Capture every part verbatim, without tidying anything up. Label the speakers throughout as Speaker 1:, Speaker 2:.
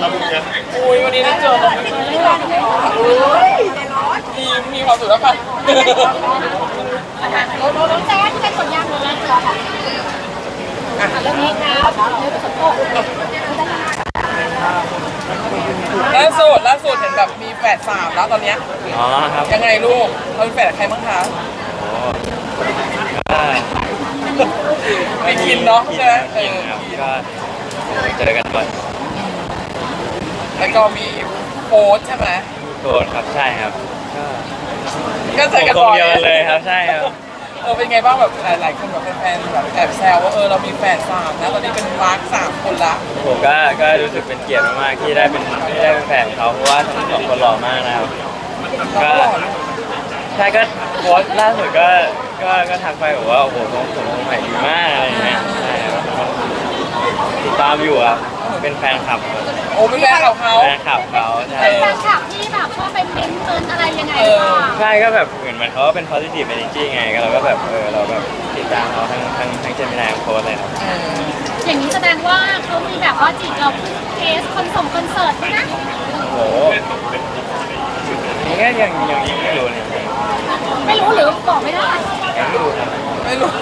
Speaker 1: อุ้ยวันนี้ได้เจอมีมีความสุขแล้วค่ะ
Speaker 2: น้องแจ๊คที่เป็นคนยากเลยเจอค่ะเรื่องนี้ครับเรื่องสมโภช
Speaker 1: ล่าสุดล่าสุดเห็นแบบมีแฝดสามแล้วตอนเนี้ย
Speaker 3: อ๋อครับ
Speaker 1: ยังไงลูกเราเป็นแฝดกับใครบ้างคะไม่กินเนาะใช่ไหมเออ
Speaker 3: ก็เจอกันบ่อย
Speaker 1: แล้วก็มีโฟร์ใช่ไหม
Speaker 3: โกรธครับใช่ครับ
Speaker 1: ก็เจอกัน
Speaker 3: บ่
Speaker 1: อย
Speaker 3: เลยครับใช่ครับ
Speaker 1: เออเป็นไงบ้างแบบหลายๆคนแบบแฟนๆแบบแอบแซวว่าเออเรามีแฝดสามนะตอนนี้เป็นมาร์คสามคนละ
Speaker 3: ผมก็ก็รู้สึกเป็นเกียรติมากๆที่ได้เป็นที่ได้เป็นแฟนเขาเพราะว่าทั้งสองคนหล่อมากนะครับก็ใช่ก็โพสต์ล่าสุดก็ก็ก็ทักไปบอกว่าโอ้โหผมผมใหม่ดีมากอะไรเงี้ยใช่ครับติดตามอยู่ครับเป็นแฟนคลับ
Speaker 1: โอ้เป็นแฟนคลับเขา
Speaker 3: แฟนคลับเขาใช่
Speaker 2: เป็นแฟนคลับที่แบบชอบไปเม้นเกินอะไรยังไงบ้าง
Speaker 3: ใช่ก็แบบเหมือนมันเขาเป็น positive energy ไงก็เราก็แบบเออเราแบบติดตามเขาทั้งทั้งทั้งเจมินายโค้ดเลยครับ
Speaker 2: อย่างนี้แสดงว่าเขามีแบบว่าจีบเราเทสคอนส่งคอนเสิร์ตไหมนะ
Speaker 3: โอ้โหนี่ก็ยังยังยังไม่รู้เลย
Speaker 2: ไม่รู้หรือบอกไม่ได้
Speaker 3: ยังไม่รู้ครับ
Speaker 1: ไม่รู้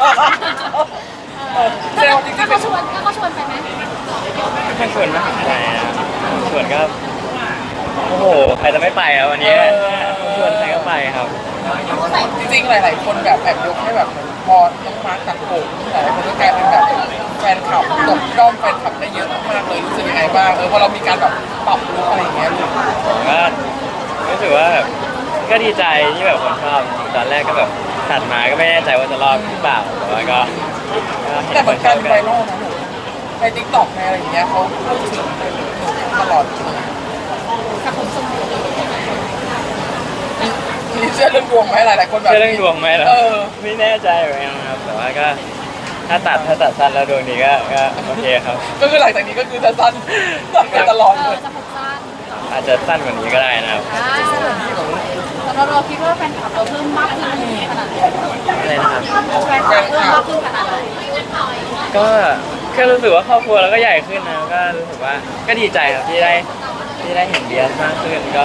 Speaker 2: เซลจริงๆเขาชวนเขาชวนไปไหม
Speaker 3: ไม่ชวนนะใช่ชวนก็โอ้โหใครจะไม่ไปอ่ะวันนี้ชวนใครก็ไปครับ
Speaker 1: จริงๆหลายๆคนแบบแอบยกให้แบบพอน้องมาร์คตัดผมหลายคนก็กลายเป็นแบบแฟนคลับตกด้อมแฟนคลับได้เยอะมากเลยรู้สึกยังไงบ้างเออพอเรามีการแบบปรับลุคอะไรอย่างเงี้ย
Speaker 3: ผมก็รู้สึกว่าแบบก็ดีใจที่แบบคนชอบตอนแรกก็แบบตัดมาก็ไม่แน่ใจว่าจะรอดหรือเปล่าแต่ว่าก็
Speaker 1: แต่เหมือนการไวรัลนะหนูในติ๊กต็อกในอะไรอย่างเงี้ยเขาพูดถึงตลอด
Speaker 2: กับผมทรง
Speaker 1: มีเชื่อเรื่องดวงไหมหลายๆคนแบบ
Speaker 3: เชื่อเรื่องดวงไหมล่ะไม่แน่ใจเหมือนกันครับแต่ว่าก็ถ้าตัดถ้าตัดสั้นแล้วดวงนี้ก็ก็โอเคครับ
Speaker 1: ก็คือหลังจากนี้ก็คือจะสั้นสั้นไปตลอดเลย
Speaker 3: อาจจะสั้นกว่านี้ก็ได้นะครับ
Speaker 2: เราเราคิดว่าแฟนคลับเราเพิ่มมากขึ้นขนาดไหน
Speaker 3: อะไรนะครับ
Speaker 2: แฟนคลับเพิ่มมากขึ้นขนาดไหน
Speaker 3: ก็แค่รู้สึกว่าครอบครัวเราก็ใหญ่ขึ้นนะก็รู้สึกว่าก็ดีใจครับที่ได้ที่ได้เห็นเบียร์มากขึ้นก็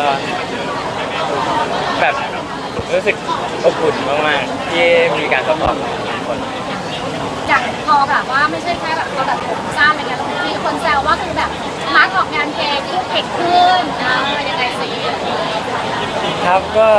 Speaker 3: แบบรู้สึกอบอุ่นมากๆที่มีการซัพพอร์ตของทุกคน
Speaker 2: อย่างพอแบบว่าไม่ใช่แค่แบบเราแบบผมสั้นอะไรเงี้ยมีคนแซวว่าคือแบบมาร์กออกงานเพลงคู่เก่งขึ้นนะยังไงสิ
Speaker 3: ครับก็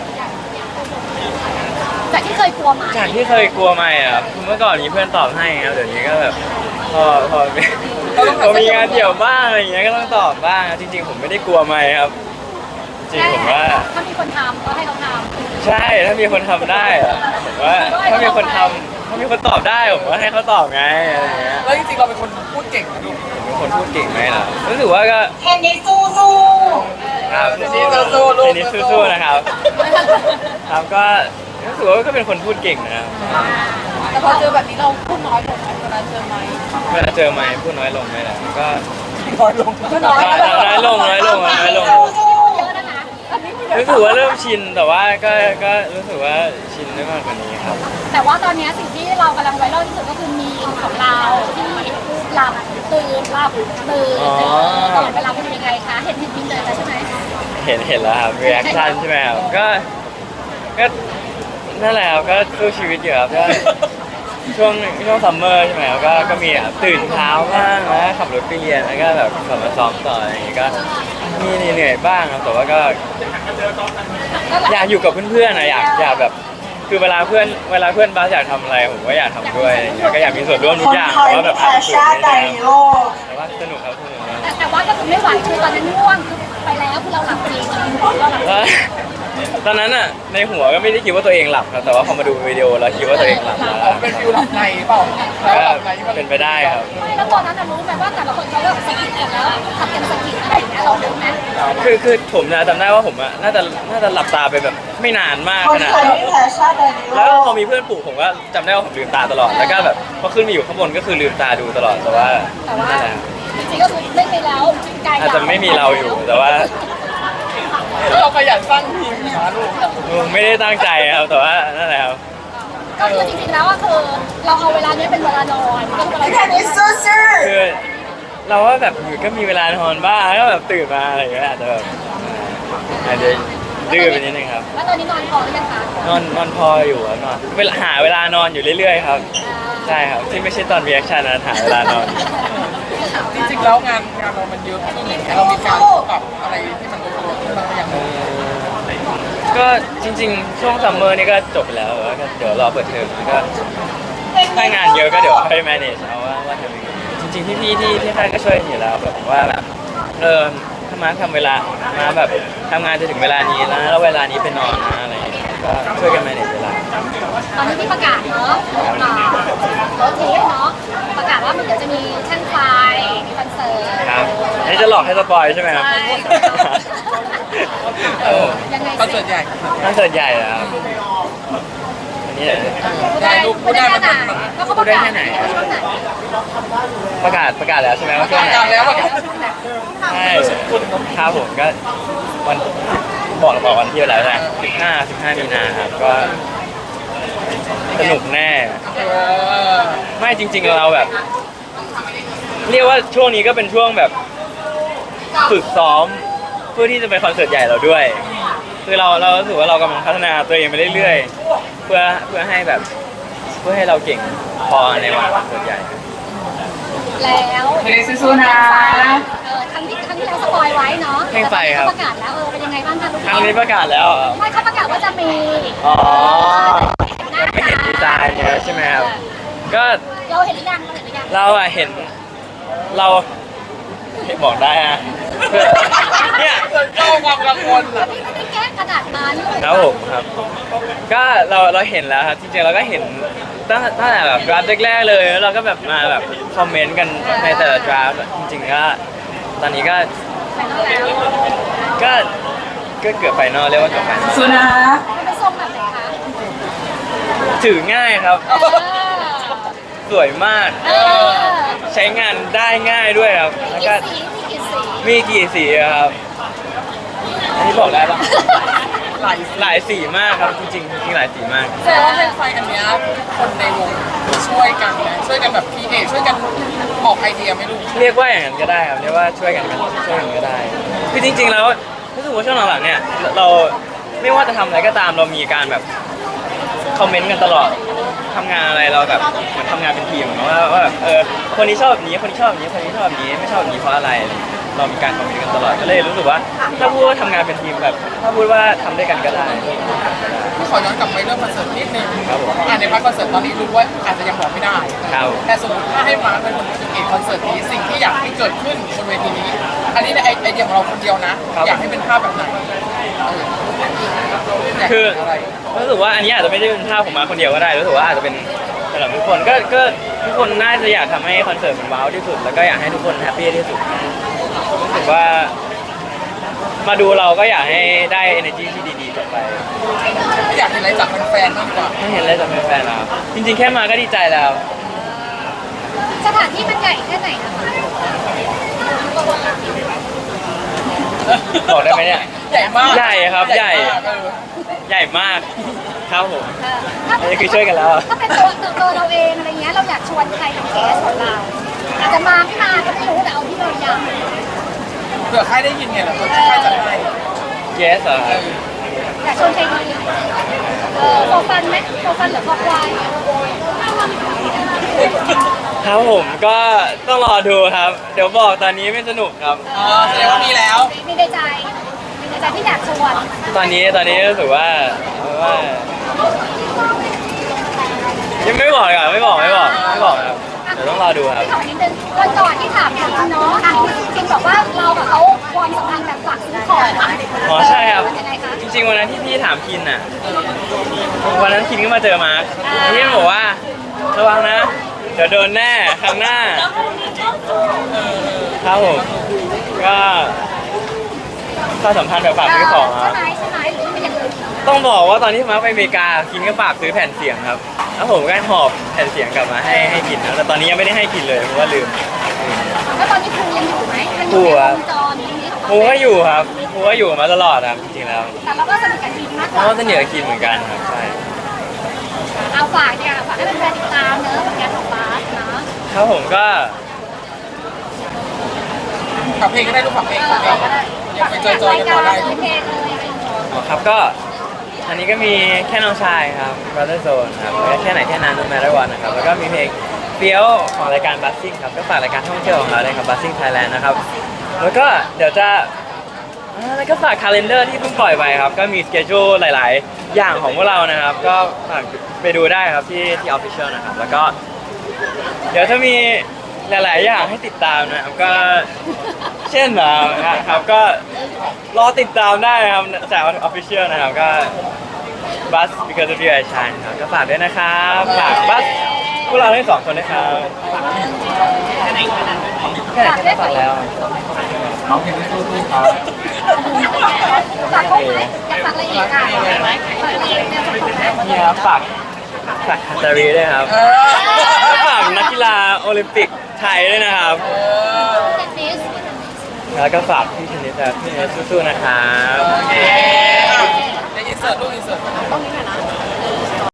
Speaker 2: จากที่เคยกลัวไหม
Speaker 3: จากที่เคยกลัวไหมอ่ะเมื่อก่อนมีเพื่อนตอบให้ครับเดี๋ยวนี้ก็แบบพอพอพอมีงานเดี่ยวบ้างอะไรอย่างเงี้ยก็ต้องตอบบ้างจริงๆผมไม่ได้กลัวไหมครับจริงผมว่า
Speaker 2: ถ้ามีคนทำก็ให้เขาท
Speaker 3: ำใช่ถ้ามีคนทำได้ผมว่าถ้ามีคนทำถ้ามีคนตอบได้ผมว่าให้เขาตอบไงอะไรเงี้ย
Speaker 1: แล้วจริงๆเราเป็นคนพูดเก่งนะลูก
Speaker 3: เป็นคนพูดเก่งไหมล่ะรู้สึกว่าก็
Speaker 2: เทนนิสสู้สู้
Speaker 3: ครับ
Speaker 1: เทนนิสสู้
Speaker 3: เทนนิสสู้นะครับครับก็รู้สึกว่าก็เป็นคนพูดเก่งนะครับ
Speaker 2: แต่พอเจอแบบนี้เราพูดน้อยลงไหมเวลาเจอไหม
Speaker 3: เวลาเจอไหมพูดน้อยลงไหมล่ะก็
Speaker 1: น้อยลง
Speaker 3: น้อยลงน้อยลงน้อยลงรู้สึกว่าเริ่มชินแต่ว่าก็ก็รู้สึกว่าชินได้มากกว่านี้ครับ
Speaker 2: แต่ว่าตอนนี้สิ่งที่เรากำลังไวรัลที่สุดก็คือมีของเราที่หลับตื่นหลับตื่นตลอดเวลาเป็นยังไงคะเห็นเห็นมินเลยใช่ไหม
Speaker 3: เห็นเห็นแล้วครับรีแอคชั่นใช่ไหมครับก็ก็นั่นแหละครับก็สู้ชีวิตอยู่ครับก็ช่วงช่วงซัมเมอร์ใช่ไหมครับก็ก็มีตื่นเช้าบ้างนะขับรถไปเรียนแล้วก็แบบขับมาซ้อมต่ออะไรอย่างเงี้ยก็มีเหนื่อยบ้างครับแต่ว่าก็อยากอยู่กับเพื่อนๆนะอยากอยากแบบคือเวลาเพื่อนเวลาเพื่อนบ้าอยากทำอะไรผมก็อยากทำด้วยอะไรอย่างเงี้ยก็อยากมีส่วนร่วมทุกอย่างแต่ว่าแบบอาจจะแต่ว่าสนุกครับสนุก
Speaker 2: แต่ว่าก็คือไม่ไหวคือตอนนั้นง่วงไปแล้วคือเราหลับจริงเราหลับ
Speaker 3: ตอนนั้นอ่ะในหัวก็ไม่ได้คิดว่าตัวเองหลับครับแต่ว่าพอมาดูวิดีโอแล้วคิดว่าตัวเองหลับแล้ว
Speaker 1: เป็นฟิลหลับในเปล่า
Speaker 3: เป็นไปได้ครับ
Speaker 2: ไม่แล้วตอนนั้นรู้ไหมว่าแต่ละคนเขาเลิกสกิดกันแล้วทำกันสกิดอะไรอย่างเงี้ยเรารู้ไหม
Speaker 3: คือคือผมนะจำได้ว่าผมอ่ะน่าจะน่าจะหลับตาไปแบบไม่นานมากขนาดแล้วพอมีเพื่อนปลุกผมก็จำได้ว่าผมลืมตาตลอดแล้วก็แบบพอขึ้นมาอยู่ข้างบนก็คือลืมตาดูตลอดแต่ว่า
Speaker 2: แต่ว่าจริงๆก็คือไม่มีแล้ว
Speaker 3: อาจจะไม่มีเราอยู่แต่ว่า
Speaker 1: เราขยันสร้างทีมนะลู
Speaker 3: กไม่ได้ตั้งใจครับแต่ว่านั่นแหละครับ
Speaker 2: ก็คือจริงๆแล้วก็คือเราเอาเวลานี้เป็นเวลานอนก็คือเวลา
Speaker 3: คือเราว่าแบบอยู่ก็มีเวลานอนบ้างก็แบบตื่นมาอะไรอย่างเงี้ยอาจจะแบบอาจจะดื้อไปนิดนึงครับ
Speaker 2: แล้วตอนนี้นอนพอหรือยังคะ
Speaker 3: นอนนอนพออยู่ครับนอนเวลาหาเวลานอนอยู่เรื่อยๆครับใช่ครับที่ไม่ใช่ตอนรีแอคชั่นนะหาเวลานอน
Speaker 1: จริงๆแล้วงานงานเรามันเยอะขึ้นอย่างเงี้ยเรามีการปรับอะไรที่มันลงตัวขึ้นบ้างหรือยัง
Speaker 3: ก็จริงๆ ช่วงซัมเมอร์นี่ก็จบไปแล้วแล้วก็เดี๋ยวรอเปิดเทอมก็ถ้างานเยอะก็เดี๋ยวค่อย manage เอาว่าว่าทำยังไงจริงๆพี่ๆที่ที่ค่ายก็ช่วยอยู่แล้วแบบว่าแบบเออถ้ามาทำเวลามาแบบทำงานจะถึงเวลานี้นะแล้วเวลานี้ไปนอนนะอะไรอย่างเงี้ยก็ช่วยกัน manage เวลา
Speaker 2: ตอนนี้ที่ประกาศเนาะอ่ารถเทสเนาะประกาศว่ามันเดี๋ยวจะมีช่างไฟมีคอนเสิร์ต
Speaker 3: ครับอันนี้จะหลอกให้สปอยใช่ไหมครับ
Speaker 2: ใช่
Speaker 1: เออ
Speaker 2: ยังไง
Speaker 1: คอนเสิร์ตใหญ่
Speaker 3: คอนเสิร์ตใหญ่เหรอครับอันนี้
Speaker 1: ได้ลูกพูดได้มัน
Speaker 2: ไหน
Speaker 1: มัน
Speaker 2: แล้วเขาประกาศไหนช่วงไหน
Speaker 3: ประกาศประกาศแล้วใช่ไหมว่าช่วงไหน
Speaker 1: ประกาศแล้วอะ
Speaker 3: ใช่ครับผมก็วันบอกบอกวันที่แล้วใช่ไหมสิบห้าสิบห้ามีนาครับก็สนุกแน่
Speaker 1: เออ
Speaker 3: ไม่จริง ๆเราแบบ เรียกว่าช่วงนี้ก็เป็นช่วงแบบฝึกซ้อมเพื่อที่จะไปคอนเสิร์ตใหญ่เราด้วย คือเราเรารู้สึกว่าเรากำลังพัฒนาตัวเองไปเรื่อยๆเพื่อเพื่อให้แบบเพื่อให้เราเก่งพอในวันคอนเสิร์ตใหญ่
Speaker 2: แล้ว
Speaker 1: เฮ้ยสู้ๆนะ
Speaker 2: เออครั้งที่ครั้งที่แล้วสปอยไว้เนาะ
Speaker 3: เพลงไฟครับ
Speaker 2: แต่ตอนนี้เขาประกาศแล้วเออเป็นยังไงบ้างคะลูก
Speaker 3: ครั้งนี้ประกาศแล้วเหรอ
Speaker 2: ไม่เขาประกาศว่าจะมี
Speaker 3: อ๋อ
Speaker 2: หน้า
Speaker 3: ไม่เห็นดีไซน์เนี่ยใช่ไหมครับก็
Speaker 2: เราเห็นหรือยังเราเห็นหรือยัง
Speaker 3: เราอะเห็นเราเห็นบอกได้อะเนี่ย
Speaker 1: เจ้าความกังวลอ่ะ
Speaker 2: พี่ไม่ได้แก้ขนาดนั้น
Speaker 3: ครับผมครับก็เราเราเห็นแล้วครับจริงๆเราก็เห็นตั้งตั้งแต่แบบดราฟแรกๆเลยแล้วเราก็แบบมาแบบคอมเมนต์กันในแต่ละดราฟจริงๆก็ตอนนี้ก็
Speaker 2: ไปแล้ว
Speaker 3: ก็ก็เกือบไฟนอลเรียกว่าเกือบไฟนอล
Speaker 1: สู้นะ
Speaker 2: มันเป็นทรงแบบไหนคะ
Speaker 3: ถือง่ายครับ
Speaker 2: เออ
Speaker 3: สวยมาก
Speaker 2: เออ
Speaker 3: ใช้งานได้ง่ายด้วยครับแล้ว
Speaker 2: มี
Speaker 3: ก็
Speaker 2: กี่สีมีกี่สี
Speaker 3: มีกี่สีอะครับอันนี้บอกได้ปะ
Speaker 1: หลาย
Speaker 3: หลายสีมากครับจริงๆจริงๆหลายสีมาก
Speaker 1: แสดงว่าเพลงไฟอันเนี้ยคนในวงช่วยกันนะช่วยกันแบบพีเอช่วยกันออกไอเดียไม่รู้
Speaker 3: เรียกว่าอย่างนั้นก็ได้ครับเรียกว่าช่วยกันกันช่วยกันก็ได้คือจริง ๆ แล้วรู้สึกว่าช่วงหลังๆเนี่ยเราไม่ว่าจะทำอะไรก็ตามเรามีการแบบคอมเมนต์กันตลอดทำงานอะไรเราแบบเหมือนทำงานเป็นทีมเหมือนว่าว่าแบบเออคนนี้ชอบแบบนี้คนนี้ชอบแบบนี้คนนี้ชอบแบบนี้ไม่ชอบแบบนี้เพราะอะไรเรามีการคอมเมนต์กันตลอดก็เลยรู้สึกว่าถ้าพูดว่าทำงานเป็นทีมแบบถ้าพูดว่าทำด้วยกันก็ได้
Speaker 1: ที่ขอย้อนกลับไปเรื่องคอนเสิร์ตนิดนึง
Speaker 3: ครับผม
Speaker 1: อ่าในพาร์ทคอนเสิร์ตตอนนี้รู้ว่าอาจจะยังบอกไม่ได้
Speaker 3: ครับ
Speaker 1: แต่สมมติถ้าให้มาร์คเป็นคนคิดเองคอนเสิร์ตนี้สิ่งที่อยากให้เกิดขึ้นบนเวทีนี้ อันนี้ในไอไอเดียของเราคนเดียวนะ อยากให้เป็นภาพแบบไหนเอออยาก
Speaker 3: คือ
Speaker 1: เห็นอะไร
Speaker 3: รู้สึกว่าอันนี้อาจจะไม่ได้เป็นภาพของมาคนเดียวก็ได้รู้สึกว่าอาจจะเป็นสำหรับทุกคนก็ก็ทุกคนน่าจะอยากทำให้คอนเสิร์ตมันว้าวที่สุดแล้วก็อยากให้ทุกคนแฮปปี้ที่สุดรู้สึกว่า มาดูเราก็อยากให้ได้ energy ที่ดีๆกลับไป
Speaker 1: อยากเห็นอะไรจากแฟนๆมากกว่า
Speaker 3: ไม่เห็นอะไรจากแฟนๆแล้วจริงๆ แค่มาก็ดีใจแล้ว
Speaker 2: สถานที่มันใหญ่แค่ไหนนะคะ
Speaker 3: บอกได้ไหมเนี่ย
Speaker 1: ใหญ่มาก
Speaker 3: ใหญ่ครับใหญ่
Speaker 1: มากเออ
Speaker 3: ใหญ่มากครับผม
Speaker 2: เออถ้า
Speaker 3: อันนี้คือช่วยกันแล้ว
Speaker 2: ถ้าเป็นตัวตัวเราเองอะไรเงี้ยเราอยากชวนใครเป็นแขกของเราอาจจะมาไม่มาก็ไม่รู้แต่เอาที่เราอยาก
Speaker 1: เผื่อใครได้ยินไงล่ะเผื่อใครจะให้
Speaker 3: yes เหรอครับ
Speaker 2: อยากชวนใครดีเออโฟฟันไหมโฟฟันหรือคอควาย
Speaker 3: ครับผมก็ต้องรอดูครับ เดี๋ยวบอกตอนนี้ไม่สนุกครับ
Speaker 1: อ๋อแสดงว่ามีแล้ว
Speaker 2: มีในใจมีในใจที่อยากชวน
Speaker 3: ตอนนี้ตอนนี้รู้สึกว่าว่ายังไม่บอกอ่ะไม่บอกไม่บอกไม่บอกครับเดี๋ยวต้องรอดูครับ
Speaker 2: ที่ถามนิดนึงวันก่อนที่ถามคินเนาะคินบอกว่าเรากับเขาความสัมพันธ์แบบฝากซื้อของ
Speaker 3: อ๋อใช่ครับ
Speaker 2: เป็นยังไงคะ
Speaker 3: จริงๆวันนั้นที่พี่ถามคินอ่ะวันนั้นคินก็มาเจอมาร์คพี่มันบอกว่าระวังนะเดี๋ยวโดนแน่ครั้งหน้าครับผมก็ความสัมพันธ์แบบฝากซื้อของค
Speaker 2: ใช่
Speaker 3: รับ
Speaker 2: ไหมใช่ไหมหรือเป็นอย่างอื่น
Speaker 3: ต้องบอกว่าตอนที่มาร์คไปอเมริกาคินก็ฝากซื้อแผ่นเสียงครับแล้วผมก็หอบแผ่นเสียงกลับมาให้ให้กินนะแต่ตอนนี้ยังไม่ได้ให้กินเลยเพราะว่าลืม
Speaker 2: แล้วตอนนี้ครูยังอยู่ไหมยังอ
Speaker 3: ครู
Speaker 2: ยู่ใน
Speaker 3: ครับ
Speaker 2: วงจรนี้ของ
Speaker 3: ครูก็อยู่ครับครูก็อยู่มาตลอดครับจริงๆแล้ว
Speaker 2: แต่เราก็สนิทกับคินมากก
Speaker 3: เพ
Speaker 2: ว่า
Speaker 3: ราะว่าสนิทกับคินเหมือนกันครับใช่
Speaker 2: เอาฝากเนี่ยฝากให้เป็นแฟนติดตามเนอะผลงานของบาสเนาะ
Speaker 3: ครับผมก็
Speaker 1: ฝากเพลงก็ได้ลูกฝากเพลงฝากเพลงยังไปจอยๆกันต่อได้
Speaker 2: เพลงเลย
Speaker 3: อ๋อครับก็อันนี้ก็มีแค่น้องชายครับ Brother Zone ครับแล้วก็แค่ไหนแค่นั้น No Matter What นะครับแล้วก็มีเพลงเฟี้ยวของรายการ Buzzing ครับก็ฝากรายการท่องเที่ยวของเราเลยครับ Buzzing Thailand นะครับแล้วก็เดี๋ยวจะอ่าแล้วก็ฝาก calendar ที่เพิ่งปล่อยไปครับก็มี schedule หลาย ๆ อย่างของพวกเรานะครับก็ฝากไปดูได้ครับที่ที่ official นะครับแล้วก็เดี๋ยวจะมีหลาย ๆ อย่างให้ติดตามนะครับก็เช่นนะครับก็รอติดตามได้นะครับจาก official นะครับก็ Bus because of you I shine ครับก็ฝากด้วยนะครับฝากบัสพวกเราทั้งสองคนนะครับแค่ไหนแค่นั้นแค่ไหนแค่นั้นฝากแล้ว
Speaker 1: น้องเพลงที่สู้ๆครับ
Speaker 2: ฝากคนไหมอยากฝากอะไรอีกอ่ะฝากอะไรอีกเนี่ยฝากอะไร
Speaker 3: นี่ครับฝากฝากฮัตตารีด้วยครับ
Speaker 1: เออ
Speaker 3: แล้วฝากนักกีฬาโอลิมปิกไทยด้วยนะครับ
Speaker 1: เออ
Speaker 2: เทนนิส
Speaker 3: แล้วก็ฝากพี่เทนนิสครับพี่เทนนิสสู้ๆนะครับ
Speaker 1: โอเคอ่ะในอินเสิร์ตลูกอินเสิร์ต
Speaker 2: ตรงนี้หน่อยนะ